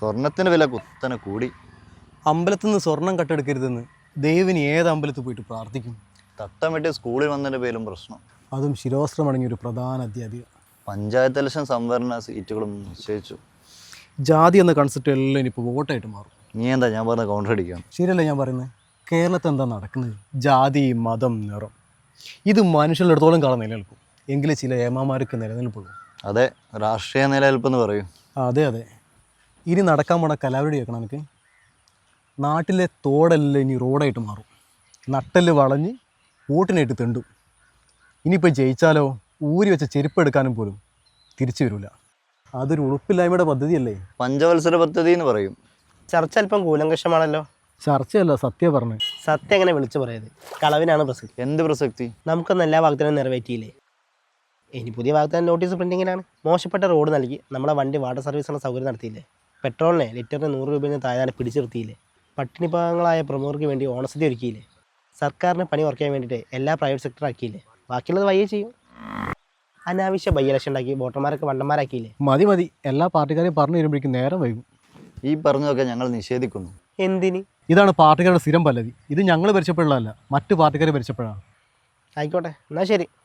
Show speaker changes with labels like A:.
A: സ്വർണത്തിന് വില കുത്തനെ കൂടി.
B: അമ്പലത്തിൽ നിന്ന് സ്വർണം കട്ടെടുക്കരുതെന്ന് ദൈവന് ഏത് അമ്പലത്തിൽ പോയിട്ട് പ്രാർത്ഥിക്കും?
A: തട്ടം വെട്ടി സ്കൂളിൽ വന്നതിൻ്റെ പേരും പ്രശ്നം.
B: അതും ശിരോസ്ത്രമടങ്ങിയ ഒരു പ്രധാന അധ്യാപിക.
A: പഞ്ചായത്ത് ഇലക്ഷൻ സംവരണ സീറ്റുകളും നിശ്ചയിച്ചു.
B: ജാതി എന്ന കൺസെപ്റ്റ് എല്ലാം ഇനിയിപ്പോൾ വോട്ടായിട്ട് മാറും.
A: നീ എന്താ ഞാൻ പറഞ്ഞ കൗണ്ടർ അടിക്കാം?
B: ശരിയല്ല ഞാൻ പറയുന്നത്. കേരളത്തിൽ എന്താ നടക്കുന്നത്? ജാതി, മതം, നിറം, ഇത് മനുഷ്യരുടെ അടുത്തോളം കാലം നിലനിൽക്കും. എങ്കിലും ചില ഏമാമാർക്ക് നിലനിൽപ്പുള്ളൂ.
A: അതെ, രാഷ്ട്രീയ നിലനിൽപ്പെന്ന് പറയും.
B: അതെ അതെ. ഇനി നടക്കാൻ പോണ കലാപരിപാടി കേൾക്കണം എനിക്ക്. നാട്ടിലെ തോടെല്ലാം ഇനി റോഡായിട്ട് മാറും. നട്ടല് വളഞ്ഞ് വോട്ടിനായിട്ട് തെണ്ടും. ഇനിയിപ്പോൾ ജയിച്ചാലോ ഊരി വെച്ച ചെരുപ്പ് എടുക്കാനും പോലും തിരിച്ചു വരില്ല. അതൊരു ഉറപ്പില്ലായ്മയുടെ പദ്ധതിയല്ലേ?
A: പഞ്ചവത്സര പദ്ധതി എന്ന് പറയും.
C: ചർച്ച അല്പം കൂലങ്കഷമാണല്ലോ.
B: ചർച്ചയല്ല, സത്യം പറഞ്ഞു.
C: സത്യം എങ്ങനെ വിളിച്ചു പറയത്? കളവിനാണ് പ്രസക്തി.
A: എന്ത് പ്രസക്തി?
C: നമുക്കൊന്നും എല്ലാ വാഗ്ദാനവും നിറവേറ്റിയില്ലേ? ഇനി പുതിയ വാഗ്ദാനം നോട്ടീസ് പ്രിൻറ്റിങ്ങിനാണ്. മോശപ്പെട്ട റോഡ് നൽകി നമ്മളെ വണ്ടി വാട്ടർ സർവീസിനുള്ള സൗകര്യം നടത്തിയില്ലേ? പെട്രോളിനെ ലിറ്ററിന് 100 രൂപയിൽ നിന്ന് താഴെ പിടിച്ചു നിർത്തിയില്ലേ? പട്ടിണി പാവങ്ങളായ പ്രമുഖർക്ക് വേണ്ടി ഓണസദ്യ ഒരുക്കിയില്ലേ? സർക്കാരിന് പണി കുറയ്ക്കാൻ വേണ്ടിയിട്ട് എല്ലാ പ്രൈവറ്റ് സെക്ടർ ആക്കിയില്ലേ? ബാക്കിയുള്ളത് വയ്യേ ചെയ്യും. അനാവശ്യ ബൈ ഇലക്ഷൻ ഉണ്ടാക്കി വോട്ടർമാരൊക്കെ വണ്ടന്മാരാക്കിയില്ലേ?
B: മതി മതി, എല്ലാ പാർട്ടിക്കാരെയും പറഞ്ഞു വരുമ്പോഴേക്കും നേരം വൈകും.
A: ഈ പറഞ്ഞതൊക്കെ ഞങ്ങൾ നിഷേധിക്കുന്നു.
C: എന്തിന്?
B: ഇതാണ് പാർട്ടിക്കാരുടെ സ്ഥിരം പല്ലവി. ഇത് ഞങ്ങൾ ഭരിച്ചപ്പോഴല്ല, മറ്റു പാർട്ടിക്കാർ ഭരിച്ചപ്പോഴാണ്.
C: ആയിക്കോട്ടെ, എന്നാൽ ശരി.